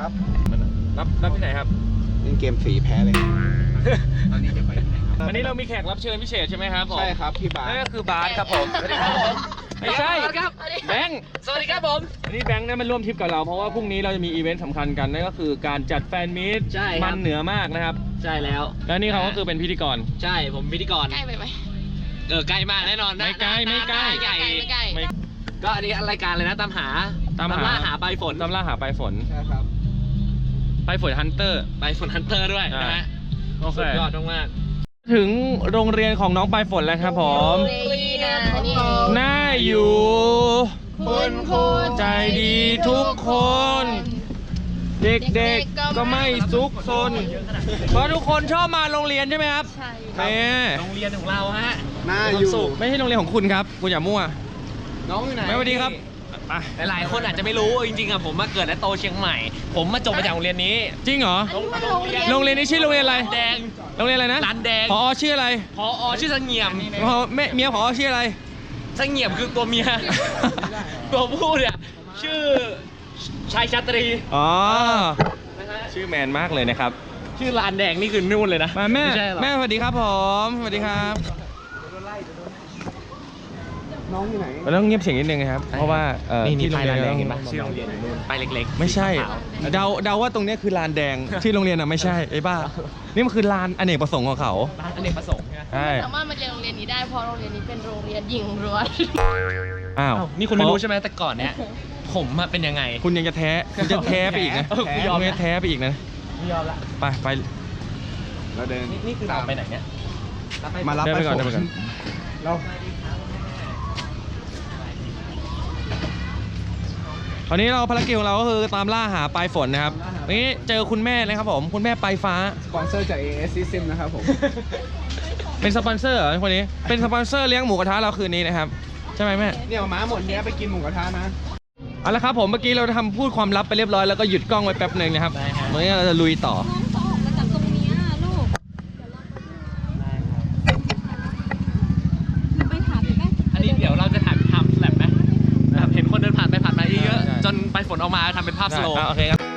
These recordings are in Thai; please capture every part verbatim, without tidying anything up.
ครับรับรับที่ไหนครับเล่นเกมฟรีแพ้เลยตอนนี้จะไปที่ไหนครับวันนี้เรามีแขกรับเชิญพิเศษใช่ไหมครับผมใช่ครับพี่บาสนั่นก็คือบาสครับผมสวัสดีครับผมไม่ใช่ครับแบงค์สวัสดีครับผมวันนี้แบงค์ได้มาร่วมทริปกับเราเพราะว่าพรุ่งนี้เราจะมีอีเวนต์สำคัญกันนั่นก็คือการจัดแฟนมีตมันเหนือมากนะครับใช่แล้วแล้วนี่เขาก็คือเป็นพิธีกรใช่ผมพิธีกรใกล้ไปไหมเออใกล้มากแน่นอนไม่ใกล้ไม่ใกล้ใหญ่ไม่ใกล้ไม่ใกล้ก็อันนี้รายการเลยนะตามหาตามล่าหาใบฝนตามล่าหาใบฝนใช่ครับใบฝนฮันเตอร์ใบฝนฮันเตอร์ด้วยนะฮะสุดยอดมากถึงโรงเรียนของน้องปลายฝนแล้วครับผมน่าอยู่คุณครูใจดีทุกคน เด็กๆก็ไม่ซุกซนเพราะทุกคนชอบมาโรงเรียนใช่ไหมครับใช่ครับโรงเรียนของเราฮะน่าอยู่ไม่ใช่โรงเรียนของคุณครับคุณอย่ามั่วน้องอยู่ไหนไม่สวัสดีครับหลายคนอาจจะไม่รู้จริงๆอะผมมาเกิดและโตเชียงใหม่ผมมาจบมาจากโรงเรียนนี้จริงเหรอโรงเรียนนี้ชื่อโรงเรียนอะไรแดงโรงเรียนอะไรนะร้านแดงผอชื่ออะไรผอชื่อสังเงียมแม่เมียผอชื่ออะไรสังเงียมคือตัวเมียตัวผู้เนี่ยชื่อชายชาตรีอ๋อชื่อแมนมากเลยนะครับชื่อลานแดงนี่คือนู่นเลยนะมาแม่แม่สวัสดีครับผมสวัสดีครับน้องอยู่ไหนเราต้องเงียบเสียงนิดนึงนะครับเพราะว่าที่โรงเรียนเห็นปะชื่อโรงเรียนนู่นไปเล็กๆไม่ใช่เดาเดาว่าตรงนี้คือลานแดงที่โรงเรียนอ่ะไม่ใช่ไอ้บ้านี่มันคือลานอเนกประสงค์ของเขาลานอเนกประสงค์ใช่สามารถมาเรียนโรงเรียนนี้ได้เพราะโรงเรียนนี้เป็นโรงเรียนหญิงล้วนอ้าวนี่คุณไม่รู้ใช่ไหมแต่ก่อนเนี้ยผมเป็นยังไงคุณยังจะแท้คุณจะแท้ไปอีกนะคุณยอมแท้ไปอีกนะไม่ยอมละไปไปเราเดินนี่คือเราไปไหนเนี่ยมารับไปก่อนเราตอนนี้เราภารกิจของเราก็คือตามล่าหาปลายฝนนะครับนี้เจอคุณแม่นะครับผมคุณแม่ปลายฟ้าสปอนเซอร์จาก เอ เอส System นะครับผมเป็นสปอนเซอร์เหรอคนนี้เป็นสปอนเซอร์เลี้ยงหมูกระทะเราคืนนี้นะครับใช่ไหมแม่เนี่ยม้าหมดเนี้ยไปกินหมูกระทะนะเอาละครับผมเมื่อกี้เราทำพูดความลับไปเรียบร้อยแล้วก็หยุดกล้องไว้แป๊บหนึ่งนะครับเมื่อกี้เราจะลุยต่ออันนี้เดี๋ยวเราจะถ่ายทำแบบไหมแบบเห็นคนเดินผ่านไปผ่านมาเยอะจนไปฝนออกมาทำเป็นภาพสโลว์โอเคครับ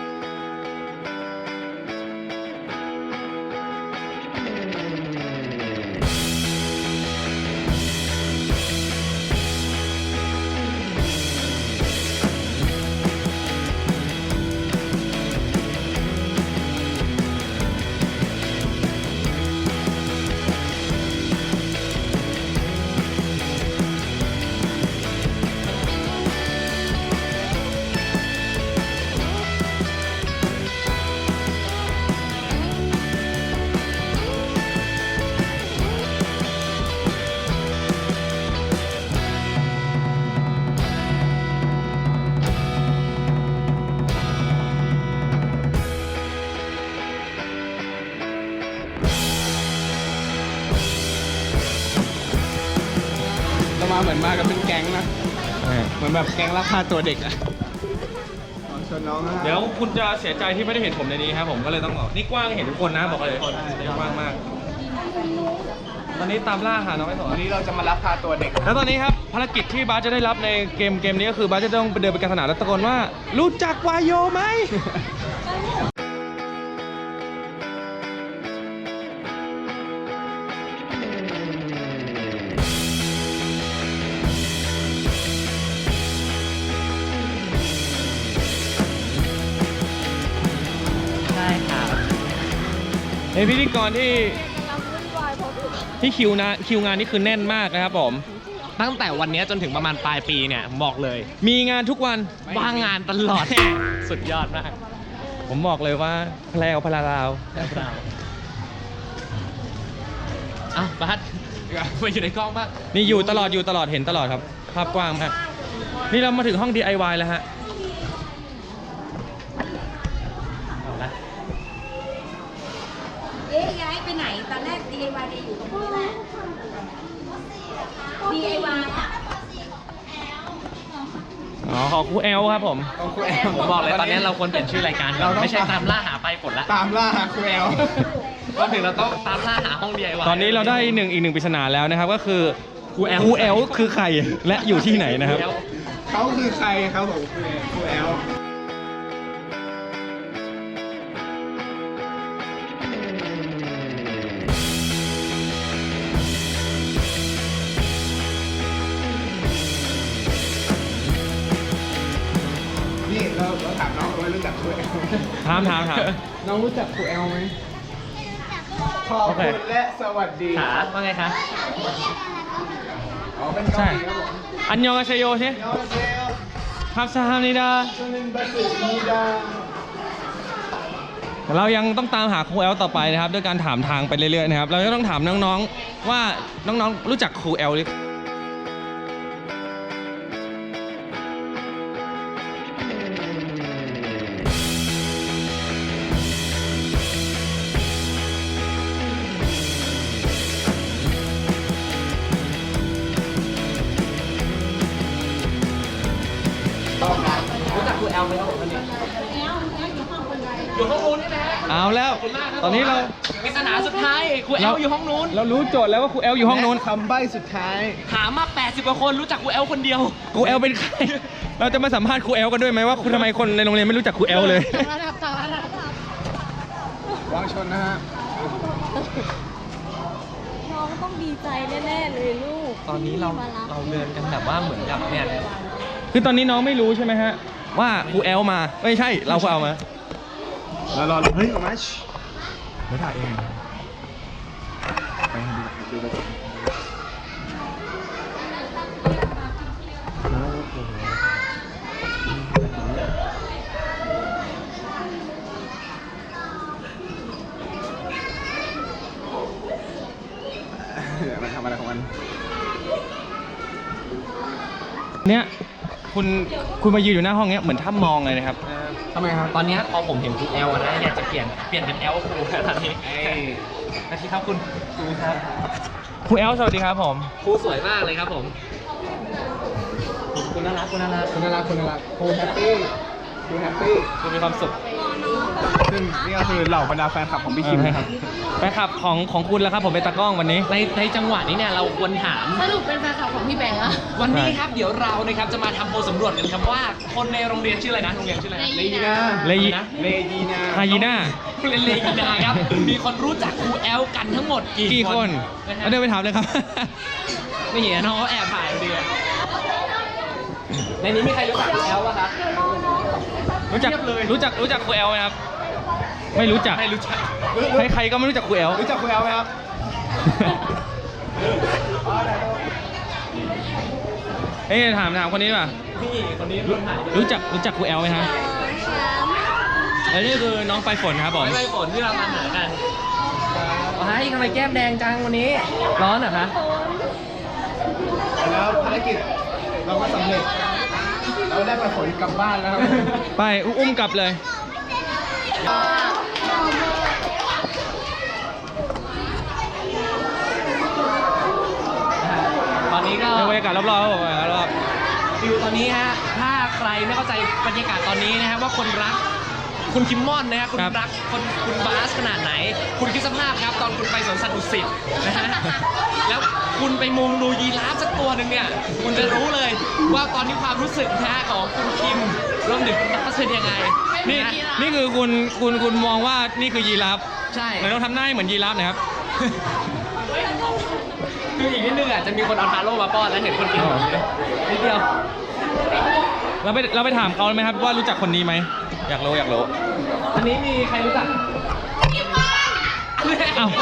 มาเหมือนมากันเป็นแก๊งนะเหมือนแบบแก๊งลักพาตัวเด็กอะชวนน้องเดี๋ยวคุณจะเสียใจที่ไม่ได้เห็นผมในนี้ครับผมก็เลยต้องบอกนี่กว้างเห็นทุกคนนะบอกเลยกว้างมากตอนนี้ตามล่าหาน้องไอ้สอนวันนี้เราจะมาลักพาตัวเด็กแล้วตอนนี้ครับภารกิจที่บาสจะได้รับในเกมเกมนี้ก็คือบาสจะต้องเดินไปกลางสนามแล้วตะโกนว่ารู้จักวายโยไหมเป็นพิธีกรที่ที่คิวนะคิวงานนี่คือแน่นมากนะครับผมตั้งแต่วันนี้จนถึงประมาณปลายปีเนี่ยบอกเลยมีงานทุกวันว่างงานตลอดสุดยอดมากผมบอกเลยว่าแพลวพลาราวอ้าวบัสมาอยู่ในกล้องบ้างนี่อยู่ตลอดอยู่ตลอดเห็นตลอดครับภาพกว้างมากนี่เรามาถึงห้อง ดี ไอ วาย แล้วฮะเอ๊ะย้ายไปไหนตอนแรก ดี ไอ วาย อยู่ตรงนี้แหละ ดี ไอ วาย อ่ะอ๋อของครูแอลครับผมของครูแอลผมบอกเลยตอนนี้เราควรเปลี่ยนชื่อรายการเราไม่ใช่ตามล่าหาปลายฝนละตามล่าหาครูแอลก็ถึงเราต้องตามล่าหาห้อง ดี ไอ วายตอนนี้เราได้หนึ่งอีกหนึ่งปริศนาแล้วนะครับก็คือครูแอลครูแอลคือใครและอยู่ที่ไหนนะครับเขาคือใครครับผมครูแอลถามถามถามน้องรู้จักครูแอลไหมขอบโอเคคุณและสวัสดีขาว่าไงคะอ๋อเป็นใช่เกาหลีครับผมอันยองอาเชโยใช่ยอเซลครับซาฮานิดาชนินบัสุนีดาเรายังต้องตามหาครูแอลต่อไปนะครับด้วยการถามทางไปเรื่อยๆนะครับ เราจะต้องถามน้องๆว่าน้องๆรู้จักครูแอลหรือรู้จักครูแอลไหมครับผมวันนี้อยู่ห้องนู้นใช่ไหมฮะเอาแล้วขอบคุณมากครับตอนนี้เราปริศนาสุดท้ายครูแอลอยู่ห้องนู้นเรารู้โจทย์แล้วว่าครูแอลอยู่ห้องนู้นและคำใบ้สุดท้ายถามมาแปดสิบกว่าคนรู้จักครูแอลคนเดียวครูแอลเป็นใคร เราจะมาสัมภาษณ์ครูแอลกันด้วยไหมว่าคุณทำไมคนในโรงเรียนไม่รู้จักครูแอลเลยต่างระดับต่างระดับวางชนนะฮะน้องต้องดีใจแน่ๆเลยลูกตอนนี้เราเราเดินกันแบบว่าเหมือนกับเนี่ยคือตอนนี้น้องไม่รู้ใช่ไหมฮะว่าครูแอลมาไม่ใช่เราครูแอลมารอรอเฮ้ยออกมาไม่ถ่ายเองไปดูดูดูมันทำอะไรของมันเนี้ยคุณคุณมายืนอยู่หน้าห้องเนี้ยเหมือนถ้ำมองเลยนะครับทำไมครับตอนเนี้ยพอผมเห็นครูแอลนะอยากจะเปลี่ยนเปลี่ยนเป็นแอลครูตอนนี้นาทีครับคุณครูครับครูแอลสวัสดีครับผมครูสวยมากเลยครับผมคุณน่ารักคุณน่ารักคุณน่ารักคุณน่ารักครูแฮปปี้ครูแฮปปี้คุณมีความสุขซึ่งนี่ก็คือเหล่าบรรดาแฟนคลับของพี่คิมนะครับไปขับของของคุณแล้วครับผมเป็นตากล้องวันนี้ในในจังหวะนี้เนี่ยเราควรถามสรุปเป็นแฟนคลับของพี่แบงค์อะวันนี้ครับเดี๋ยวเรานะครับจะมาทำโพลสำรวจกันครับว่าคนในโรงเรียนชื่ออะไรนะโรงเรียนชื่ออะไรนะเลยีนาเลยีนะเลยีนาฮายีน่าโรงเรียนเลยีนาครับมีคนรู้จักครูแอลกันทั้งหมดกี่กี่คนนะฮะมาเดินไปถามเลยครับไม่เห็นน้องเขาแอบถ่ายอยู่ดีอะในนี้มีใครรู้จักครูแอลป่ะครับรู้จักเทียบเลยรู้จักรู้จักครูแอลไหมครับ ไม่รู้จักไม่รู้จักใครใครก็ไม่รู้จักครูแอลรู้จักครูแอลไหมครับเอ้ยถามถามคนนี้ดีกว่านี่คนนี้คนถ่ายรู้จักรู้จักครูแอลไหมครับแล้วนี่คือน้องไปลายฝนครับผมไม่ไม่ฝนที่เรามาหากันอ๋อให้ทำไมแก้มแดงจังวันนี้ ร้อนเหรอคะแล้วภารกิจเราก็สำเร็จ เราได้ไปผลกลับบ้านแล้วครับไปอุ้มกลับเลยตอนนี้ก็ในบรรยากาศรอบๆครับผมรอบฟิวตอนนี้ฮะ ถ้าใครไม่เข้าใจบรรยากาศตอนนี้นะฮะว่าคนรัก คุณคิมมอนนะฮะคุณรักคนคุณบาสขนาดไหน คุณคิดสภาพครับ ตอนคุณไปสวนสัตว์ดุสิตนะฮะแล้วคุณไปมุงดูยีราฟสักตัวหนึ่งเนี่ย คุณจะรู้เลยว่าตอนนี้ความรู้สึกนะฮะของคุณคิมรวมถึงคุณบาสเป็นยังไงๆนี่ะฮะนี่คือคุณคุณคุณมองว่านี่คือยีราฟใช่เหมือนต้องทำหน้าให้เหมือนยีราฟนะครับคืออีกนิดนึงอ่ะจะมีคนเอาทาโร่มาป้อนแล้วเห็นคนกินแบบนี้นิดเดียวเราไปเราไปถามเขาไหมครับว่ารู้จักคนนี้ไหมอยากรู้อยากรู้อันนี้มีใครรู้จักอ้าว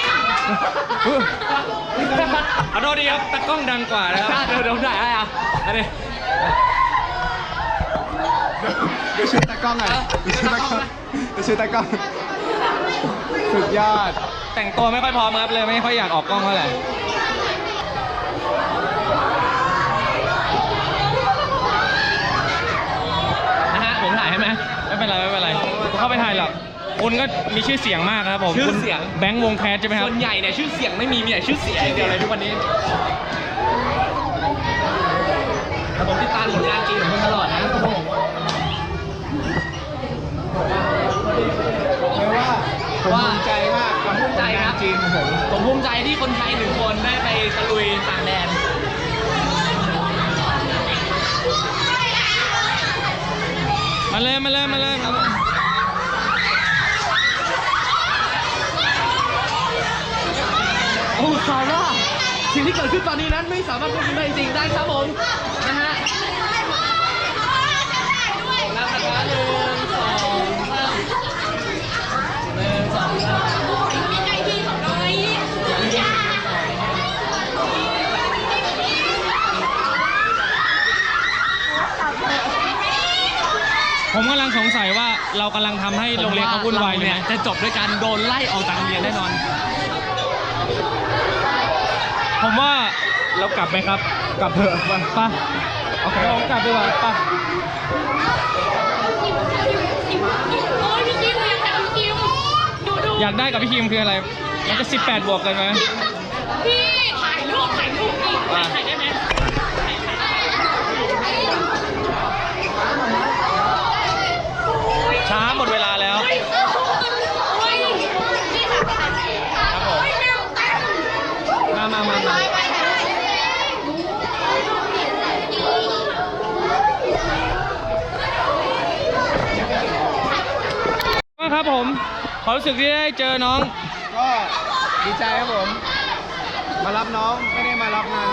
เอาโทษดีครับตากล้องดังกว่านะครับเดี๋ยวเดี๋ยวถ่ายให้อ่ะอันนี้เดี๋ยวชื่อตากล้องหน่อยเดี๋ยวชื่อตากล้องเดี๋ยวชื่อตากล้อง สุดยอดแต่งตัวไม่ค่อยพร้อมครับเลยไม่ค่อยอยากออกกล้องเท่าไหร่นะฮะผมถ่ายให้ไหมไม่เป็นไรไม่เป็นไรเข้าไปถ่ายหรอกคุณก็มีชื่อเสียงมากครับผมชื่อคุณเสียงแบงค์วงแคสใช่ไหมครับส่วนใหญ่เนี่ยชื่อเสียงไม่มีมีแต่ชื่อเสียงอย่างเดียวเลยทุกวันนี้แต่ผมติดตามผลงานจริงของคุณตลอดนะเรียกว่าผมภูมิใจมากกับภูมิใจครับจริงของผมผมภูมิใจที่คนไทยหนึ่งคนได้ไปตะลุยต่างแดนมาเลยมาเลยมาเลยมาเลยโอ้ซาร่าสิ่งที่เกิดขึ้นตอนนี้นั้นไม่สามารถควบคุมได้จริงๆได้ครับผมนะฮะแล้วนะคะหนึ่งสองผมกำลังสงสัยว่าเรากำลังทำให้โรงเรียนเขาวุ่นวายอยู่เนี่ยนะจะจบด้วยการโดนไล่ออกจากโรงเรียนแน่นอนผมว่าเรากลับไหมครับกลับเถอะไปไปโอเคเรากลับดีกว่าไปโอ้ยพี่คิมอยากถ่ายพี่คิมดูดูอยากได้กับพี่คิมคืออะไร มันจะสิบแปดบวกกันไหมพี่ถ่ายรูปถ่ายรูปอีกถ่ายได้ไหมช้าหมดเวลาแล้วเฮ้ยเฮ้ยนี่ค่ะถ่ายเองค่ะโอ้ยแมวเต็มมามามามาไปไปถ่ายเองว่าครับผมความรู้สึกที่ได้เจอน้องก็ดีใจครับผม มารับน้องไม่ได้มารับงาน